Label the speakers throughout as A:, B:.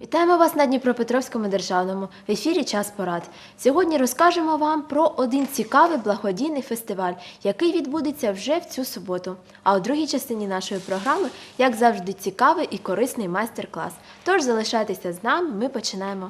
A: Вітаємо вас на Дніпропетровському державному, в ефірі «Час порад». Сьогодні розкажемо вам про один цікавий благодійний фестиваль, який відбудеться вже в цю суботу. А у другій частині нашої програми, як завжди, цікавий і корисний майстер-клас. Тож залишайтеся з нами, ми починаємо.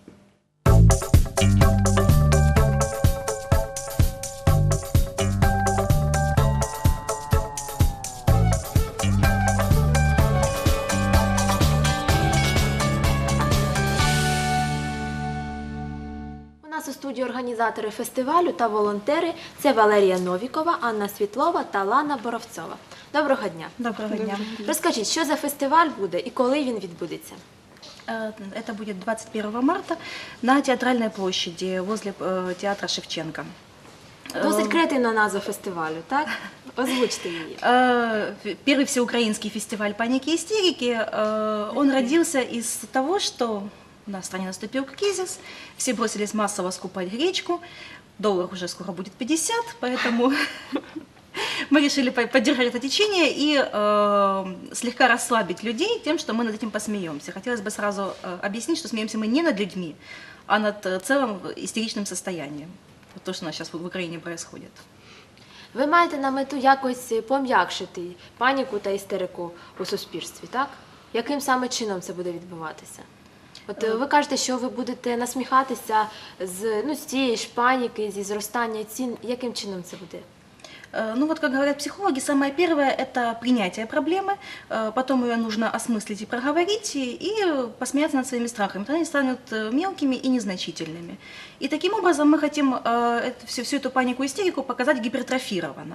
A: У студії організатори фестивалю та волонтери – це Валерія Новікова, Анна Світлова та Лана Боровцова. Доброго дня!
B: Доброго дня!
A: Розкажіть, що за фестиваль буде і коли він відбудеться?
B: Это будет 21 марта на Театральной площади возле театра Шевченко.
A: Досить креативна назва фестивалю, так? Озвучте її.
B: Первый всеукраинский фестиваль «Паники и истерики». Он родился из того, что у нас в стране наступил кризис, все бросились массово скупать гречку, доллар уже скоро будет 50, поэтому мы решили поддержать это течение и слегка расслабить людей тем, что мы над этим посмеемся. Хотелось бы сразу объяснить, что смеемся мы не над людьми, а над целым истеричным состоянием. Вот то, что у нас сейчас в Украине происходит.
A: Ви маєте на мету якось пом'якшити паніку та істерику у суспільстві, так? Яким саме чином це буде відбуватися? От ви кажете, що ви будете насміхатися з цієї ж паніки, зі зростання цін. Яким чином це буде?
B: Ну вот, как говорят психологи, самое первое – это принятие проблемы, потом ее нужно осмыслить и проговорить, и посмеяться над своими страхами. Тогда они станут мелкими и незначительными. И таким образом мы хотим всю эту панику и истерику показать гипертрофированно.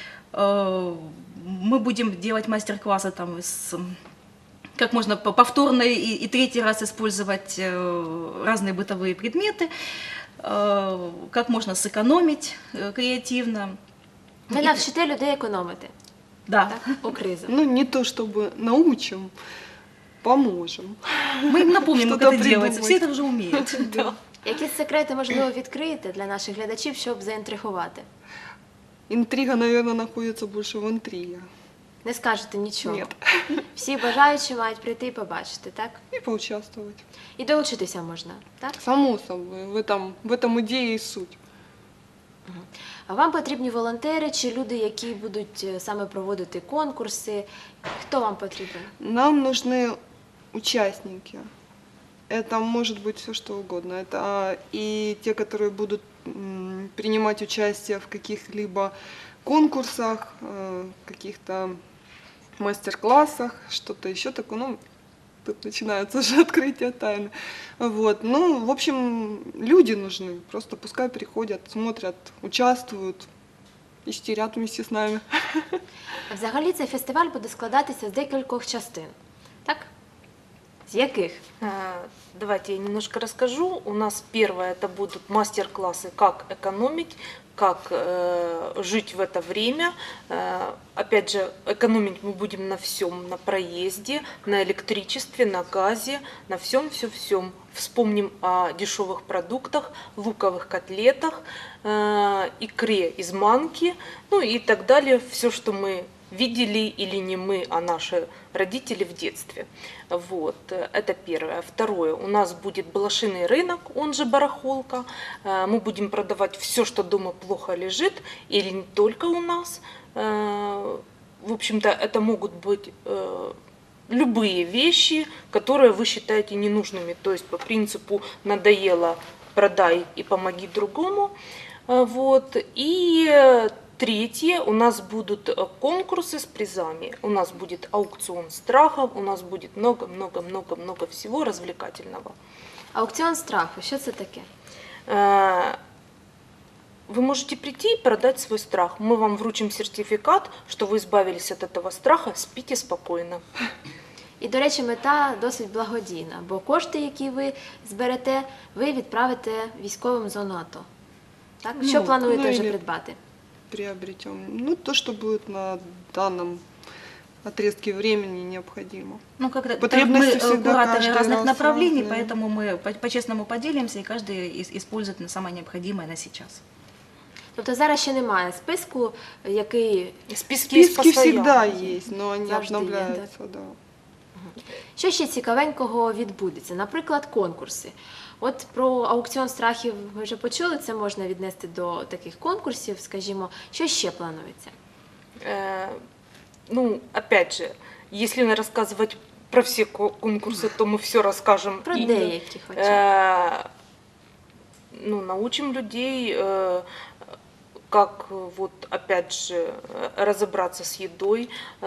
B: Мы будем делать мастер-классы там как можно повторно и третий раз использовать разные бытовые предметы, как можно сэкономить креативно.
A: Ви навчите людей економити?
B: Да.
A: Так? У кризу.
C: Ну, не то чтобы научим, поможем.
B: Мы им напомним, как это делается. Все это уже умеют.
A: Які секрети, можливо, відкриєте для наших глядачів, щоб заінтригувати?
C: Интрига, наверное, находится больше в интриге.
A: Не скажете нічого?
C: Нет.
A: Всі бажаючі мають прийти і побачити, так?
C: И поучаствовать.
A: І долучитися можна, так?
C: Само собой, в этом идея и суть.
A: А вам потрібні волонтери чи люди, які будуть саме проводити конкурси? Хто вам потрібен?
C: Нам нужны участники. Это может быть все что угодно. Это и те, которые будут принимать участие в каких-либо конкурсах, каких-то мастер-классах, что-то еще такое. Ну, тут начинается уже открытие тайны. Вот. Ну, в общем, люди нужны. Просто пускай приходят, смотрят, участвуют, истерят вместе с нами.
A: Взагалі цей фестиваль буде складатися з декількох частин, так? З яких?
D: Давайте я немножко расскажу. У нас первое это будут мастер-классы, как экономить, как жить в это время. Опять же, экономить мы будем на всем, на проезде, на электричестве, на газе, на всем. Вспомним о дешевых продуктах, луковых котлетах, икре из манки, ну и так далее. Все, что мы видели или не мы, а наши родители в детстве. Вот, это первое. Второе, у нас будет блошиный рынок, он же барахолка. Мы будем продавать все, что дома плохо лежит, или не только у нас. В общем-то, это могут быть любые вещи, которые вы считаете ненужными. То есть по принципу «надоело, продай и помоги другому». Вот. И третье, у нас будут конкурсы с призами, у нас будет аукцион страхов, у нас будет много всего развлекательного.
A: Аукціон страху, що це таке?
D: Вы можете прийти и продать свой страх. Мы вам вручим сертификат, что вы избавились от этого страха, спите спокойно.
A: І, до речі, мета досить благодійна, бо кошти, які ви зберете, ви відправите військовим в зону АТО. Так? Що плануєте вже придбати?
C: Приобретем. Ну, то, что будет на данном отрезке времени необходимо.
B: Ну, как
C: Потребности
B: мы
C: всегда
B: кураторы
C: каждый
B: разных
C: раз
B: направлений,
C: разные.
B: поэтому мы по-честному поделимся, и каждый использует на самое необходимое на сейчас.
A: Тобто зараз ще немає списку, який...
D: Списки есть
C: Списки
D: постоянно.
C: всегда есть, но они
A: Завжди є,
C: обновляются, да.
A: Що ще цікавенького відбудеться? Наприклад, конкурси. От про аукціон страхів ви вже почули, це можна віднести до таких конкурсів, скажімо. Що ще планується?
D: Ну, опять же, если не рассказывать про все конкурсы, то мы все расскажем.
A: Про
D: И,
A: деякі хоча б.
D: ну, научим людей, как вот опять же разобраться с едой.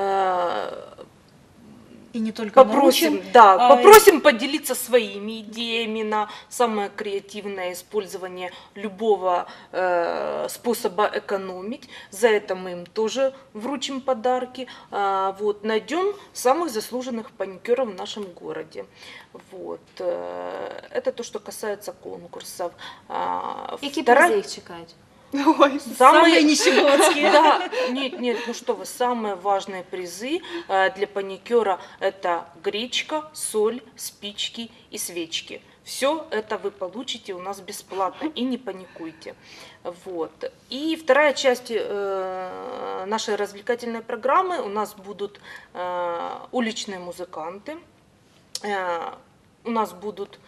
B: И не только
D: Попросим,
B: научим,
D: попросим поделиться своими идеями на самое креативное использование любого способа экономить. За это мы им тоже вручим подарки. Вот, найдем самых заслуженных паникеров в нашем городе. Вот. Это то, что касается конкурсов.
A: Які
D: Вторая-
A: призи їх чекають?
C: Ой,
B: самые нищегодские.
D: Да, нет, ну что вы, самые важные призы для паникера – это гречка, соль, спички и свечки. Все это вы получите у нас бесплатно, и не паникуйте. Вот. И вторая часть нашей развлекательной программы, у нас будут уличные музыканты, у нас будут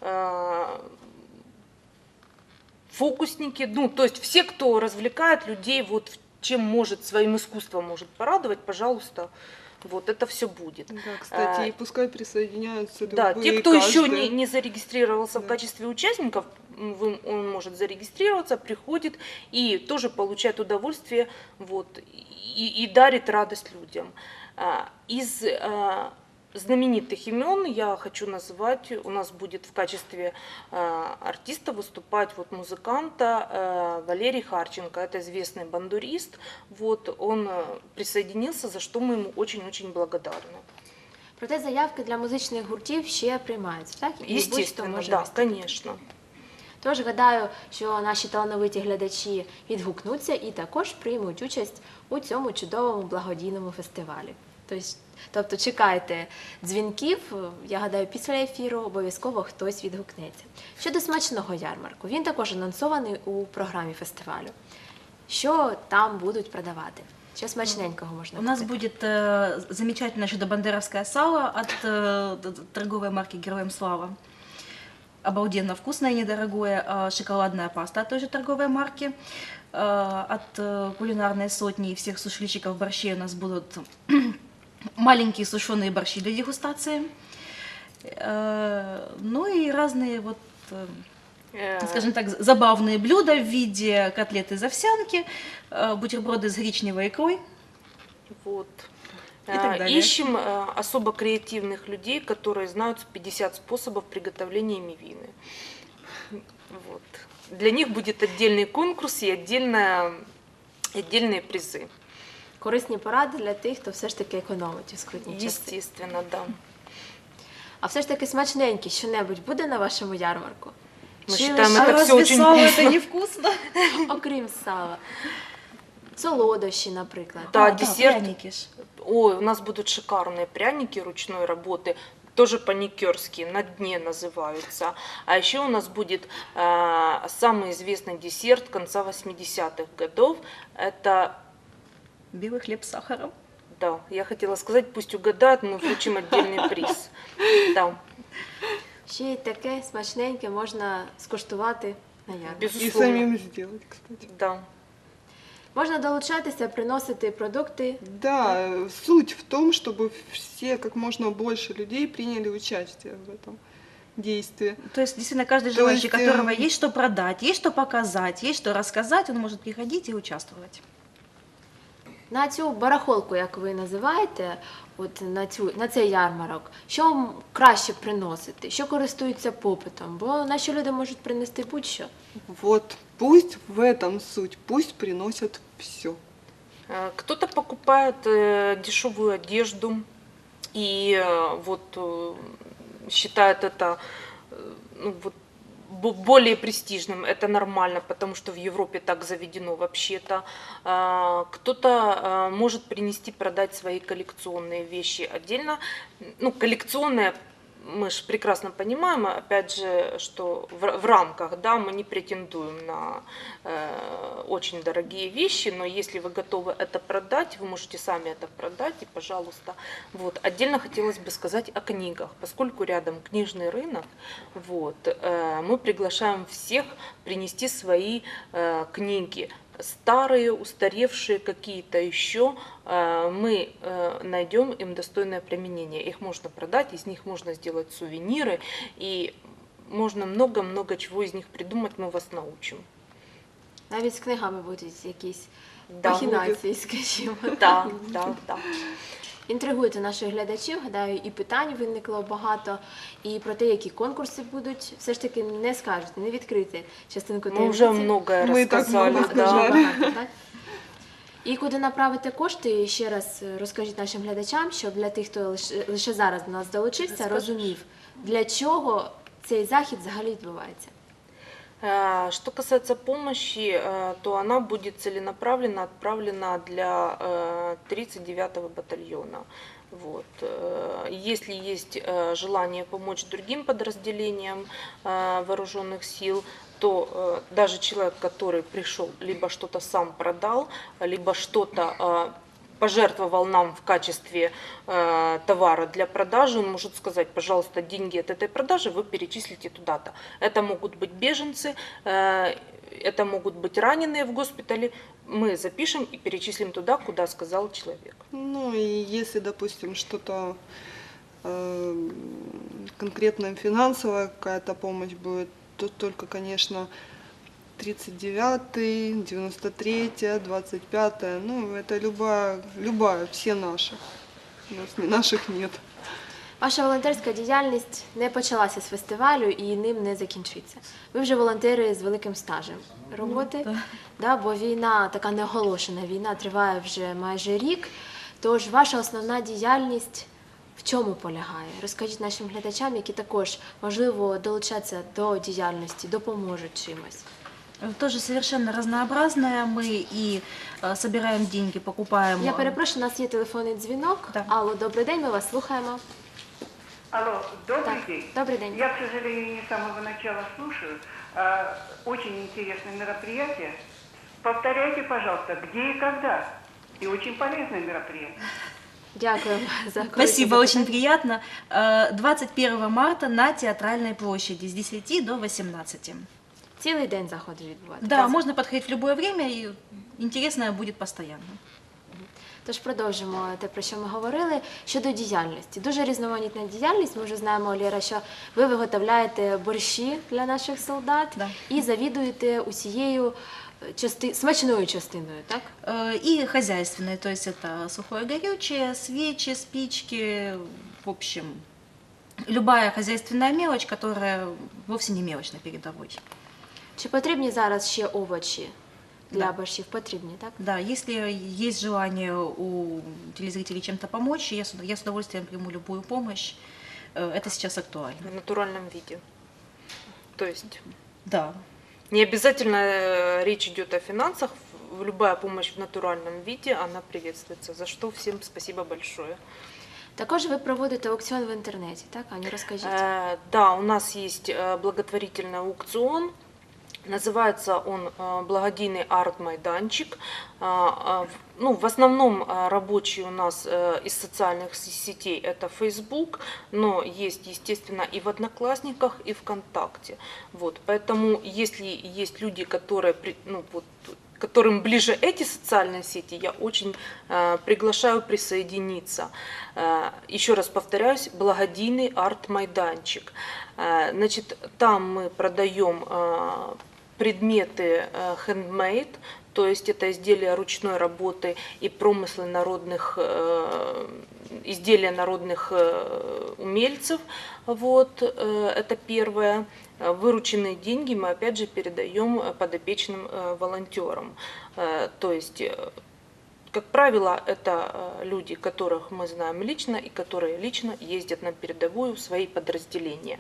D: фокусники, ну, то есть все, кто развлекает людей, вот чем может, своим искусством может порадовать, пожалуйста, вот это все будет.
C: да, кстати, и пускай присоединяются
D: Да,
C: любые,
D: те, кто еще
C: каждый.
D: не зарегистрировался в
C: Да.
D: качестве участников, он может зарегистрироваться, приходит и тоже получает удовольствие, вот, и дарит радость людям. Из знаменитых имен я хочу назвать, у нас будет в качестве артиста выступать вот музыканта Валерий Харченко, это известный бандурист, вот, он присоединился, за что мы ему очень-очень благодарны.
A: Проте заявки для музичних гуртів ще приймаються, так? І будь-хто
D: Естественно,
A: може
D: да,
A: виступити.
D: конечно.
A: Тож гадаю, що наші талановиті глядачі відгукнуться і також приймуть участь у цьому чудовому благодійному фестивалі. Тобто чекайте дзвінків, я гадаю, після ефіру обов'язково хтось відгукнеться. Щодо смачного ярмарку, він також анонсований у програмі фестивалю. Що там будуть продавати? Що смачненького можна
B: У нас
A: купити?
B: будет замечательное чудо-бандеровское сало от торговой марки «Героям слава». Обалденно вкусное и недорогое. Шоколадная паста от той же торговой марки. От кулинарной сотни и всех сушильщиков борщей у нас будут маленькие сушеные борщи для дегустации. Ну и разные вот, скажем так, забавные блюда в виде котлет из овсянки, бутерброды с гречневой икрой.
D: Вот.
B: И так далее.
D: Ищем особо креативных людей, которые знают 50 способов приготовления мивины. Вот. Для них будет отдельный конкурс и отдельные призы.
A: Корисні поради для тих, хто все ж таки економить у скрутні часи.
D: Естественно, да.
A: А все ж таки смачненьке що-небудь буде на вашому ярмарку?
D: Мы
A: Чи
D: считаем,
A: лише,
D: это все
B: разве
D: очень
B: сало
D: вкусно.
B: это невкусно?
A: окрім сала? Солодощі, наприклад.
D: Да, десерт.
B: пряники ж.
D: Ой, у нас будут шикарные пряники ручной работы, тоже паникерские, на дне называются. А еще у нас будет самый известный десерт конца 80-х годов. Это,
B: Белый хлеб с сахаром.
D: да, я хотела сказать, пусть угадают, мы вручим отдельный приз. Да,
A: Ще й таке смачненьке можна скуштувати на ярмарку.
C: И
D: безусловно.
C: самим сделать, кстати.
D: Да.
A: Можна долучатися, приносити продукти.
C: Да, суть в том, чтобы все, как можно больше людей приняли участие в этом действии.
B: То есть, действительно, каждый
C: То
B: желающий,
C: есть,
B: которого есть что продать, есть что показать, есть что рассказать, он может приходить и участвовать.
A: На цю барахолку, як ви називаєте, от на цей ярмарок, що краще приносити, що користується попитом? Бо наші люди можуть принести будь-що.
C: Вот пусть в этом суть, пусть приносят все.
D: Кто-то покупает дешевую одежду и вот считает это ну, вот, более престижным. Это нормально, потому что в Европе так заведено вообще-то. Кто-то может принести, продать свои коллекционные вещи отдельно. Ну, коллекционные мы же прекрасно понимаем, опять же, что в рамках, да, мы не претендуем на очень дорогие вещи, но если вы готовы это продать, вы можете сами это продать, и, пожалуйста. Вот. Отдельно хотелось бы сказать о книгах, поскольку рядом книжный рынок, вот, мы приглашаем всех принести свои книги. Старые, устаревшие какие-то еще, мы найдем им достойное применение. Их можно продать, из них можно сделать сувениры, и можно много-много чего из них придумать, мы вас научим.
A: Навіть з книгами будуть якісь
D: Да.
A: махінації, скажімо.
D: Да, да, да.
A: Інтригуєте наших глядачів, гадаю, і питань виникло багато, і про те, які конкурси будуть, все ж таки не скажете, не відкрити частинку
D: Мы
A: таємниці.
D: уже многое
C: Мы так
D: рассказали.
C: много
D: Да.
C: сказали.
A: Багато, так? І куди направити кошти, ще раз розкажіть нашим глядачам, щоб для тих, хто лише зараз до нас долучився, розумів, для чого цей захід взагалі відбувається.
D: Что касается помощи, то она будет целенаправленно отправлена для 39-го батальона. Вот. Если есть желание помочь другим подразделениям вооруженных сил, то даже человек, который пришел, либо что-то сам продал, либо что-то пожертвовал нам в качестве товара для продажи, он может сказать, пожалуйста, деньги от этой продажи вы перечислите туда-то. Это могут быть беженцы, это могут быть раненые в госпитале. Мы запишем и перечислим туда, куда сказал человек.
C: Ну и если, допустим, что-то конкретно финансовая какая-то помощь будет, то только, конечно, 39-й, 93-я, 25-я, ну это любая, все наши. У нас наших нет.
A: Ваша волонтерська діяльність не почалася з фестивалю і ним не закінчиться. Ви вже волонтери з великим стажем роботи, да, бо війна, така неоголошена війна, триває вже майже рік. Тож ваша основна діяльність в чому полягає? Розкажіть нашим глядачам, які також, можливо, долучаться до діяльності, допоможуть чимось.
B: Тоже совершенно разнообразная. Мы и собираем деньги, покупаем...
A: Я перепрошую, у нас є телефонний дзвінок.
B: Так.
A: Алло, добрий день, ми вас слухаємо.
E: Алло, добрый
A: Так,
E: день.
A: добрый день.
E: Я, к сожалению, не с самого начала слушаю. Очень интересное мероприятие. Повторяйте, пожалуйста, где и когда. И очень полезное мероприятие.
A: Дякую за
B: Спасибо,
A: корисне
B: очень
A: запитання.
B: приятно. 21 марта на Театральной площади с 10 до 18.
A: Цілий день заходу відбувається.
B: Да, можно подходить в любое время, и интересное будет постоянно.
A: Тож продовжимо те, про що ми говорили. Щодо діяльності. Дуже різноманітна діяльність. Ми вже знаємо, Лєра, що ви виготовляєте борщі для наших солдат
B: Да.
A: і завідуєте усією смачною частиною, так?
B: И хозяйственные, то есть это сухое горючее, свечи, спички, в общем, любая хозяйственная мелочь, которая вовсе не мелочь на передовой.
A: Чи потрібні зараз ще овочі для
B: Да.
A: борщів? Потрібні, так?
B: Да, если есть желание у телезрителей чем-то помочь, я с удовольствием приму любую помощь. Это сейчас актуально.
D: В натуральном виде. То есть
B: Да.
D: не обязательно речь идет о финансах, любая помощь в натуральном виде, она приветствуется, за что всем спасибо большое.
A: Також ви проводите аукціон в інтернеті, так? Ані, розкажіть.
D: Да, у нас есть благотворительный аукцион. Называется он «Благодійный арт-майданчик». Ну, в основном рабочие у нас из социальных сетей это Facebook, но есть, естественно, и в Одноклассниках, и ВКонтакте. Вот, поэтому, если есть люди, которые, ну, вот, которым ближе эти социальные сети, я очень приглашаю присоединиться. Еще раз повторяюсь, благодійный арт-майданчик. Значит, там мы продаем предметы handmade, то есть это изделия ручной работы и промыслы народных, изделия народных умельцев. Вот, это первое. Вырученные деньги мы опять же передаем подопечным волонтерам. То есть, как правило, это люди, которых мы знаем лично и которые лично ездят на передовую в свои подразделения.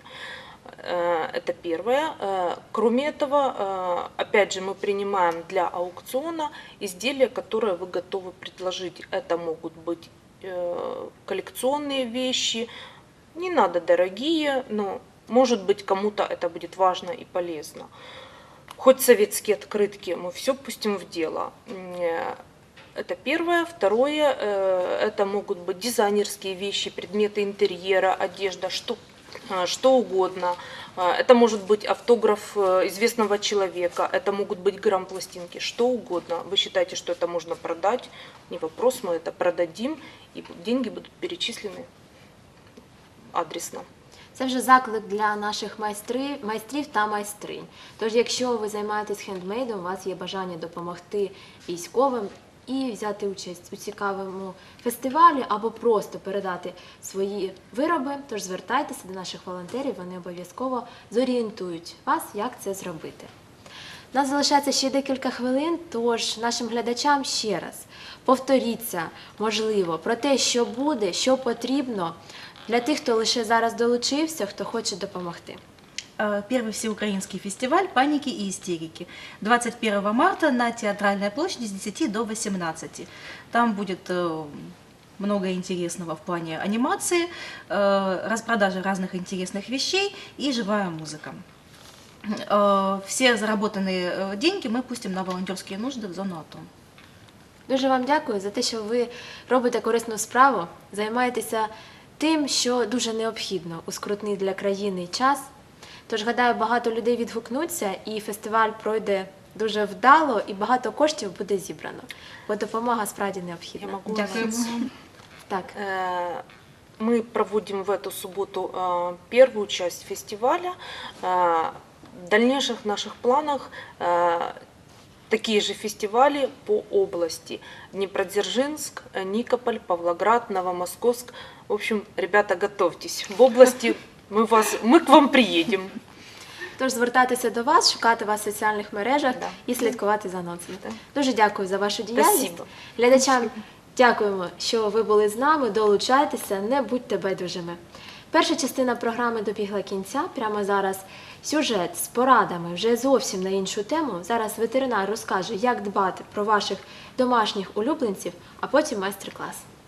D: Это первое. Кроме этого, опять же, мы принимаем для аукциона изделия, которые вы готовы предложить. Это могут быть коллекционные вещи, Не надо дорогие, но, может быть, кому-то это будет важно и полезно. Хоть советские открытки, мы все пустим в дело. Это первое. Второе, это могут быть дизайнерские вещи, предметы интерьера, одежда, что угодно. Это может быть автограф известного человека, это могут быть грамм-пластинки, что угодно. Вы считаете, что это можно продать? Не вопрос, мы это продадим, и деньги будут перечислены адресно.
A: Це вже заклик для наших майстрів та майстринь. Тож, якщо ви займаєтесь хендмейдом, у вас є бажання допомогти військовим і взяти участь у цікавому фестивалі або просто передати свої вироби, тож звертайтеся до наших волонтерів, вони обов'язково зорієнтують вас, як це зробити. У нас залишається ще декілька хвилин, тож нашим глядачам ще раз повторіться, можливо, про те, що буде, що потрібно для тих, хто лише зараз долучився, хто хоче допомогти.
B: Первый всеукраинский фестиваль «Паники и истерики». 21 марта на Театральной площади с 10 до 18. Там будет много интересного в плане анимации, распродажи разных интересных вещей и живая музыка. Все заработанные деньги мы пустим на волонтерские нужды в зону АТО.
A: Дуже вам дякую за те, що ви робите корисну справу, займаєтеся тим, що дуже необхідно у скрутний для країни час. Тож, гадаю, багато людей відгукнуться і фестиваль пройде дуже вдало і багато коштів буде зібрано, бо допомога справді
D: Я
A: необхідна.
D: могу
B: Дякую.
A: Так.
D: Мы проводим в эту субботу первую часть фестиваля. В дальнейших наших планах такие же фестивали по области. Днепродзержинск, Никополь, Павлоград, Новомосковск. В общем, ребята, готовьтесь. В области мы к вам приедем.
A: Тож звертатися до вас, шукати вас в соціальних мережах
D: Да.
A: і слідкувати за анонсами.
D: Да.
A: Дуже дякую за вашу діяльність.
D: Спасибо.
A: Глядачам дякуємо, що ви були з нами, долучайтеся, не будьте байдужими. Перша частина програми добігла кінця. Прямо зараз сюжет з порадами вже зовсім на іншу тему. Зараз ветеринар розкаже, як дбати про ваших домашніх улюбленців, а потім майстер-клас.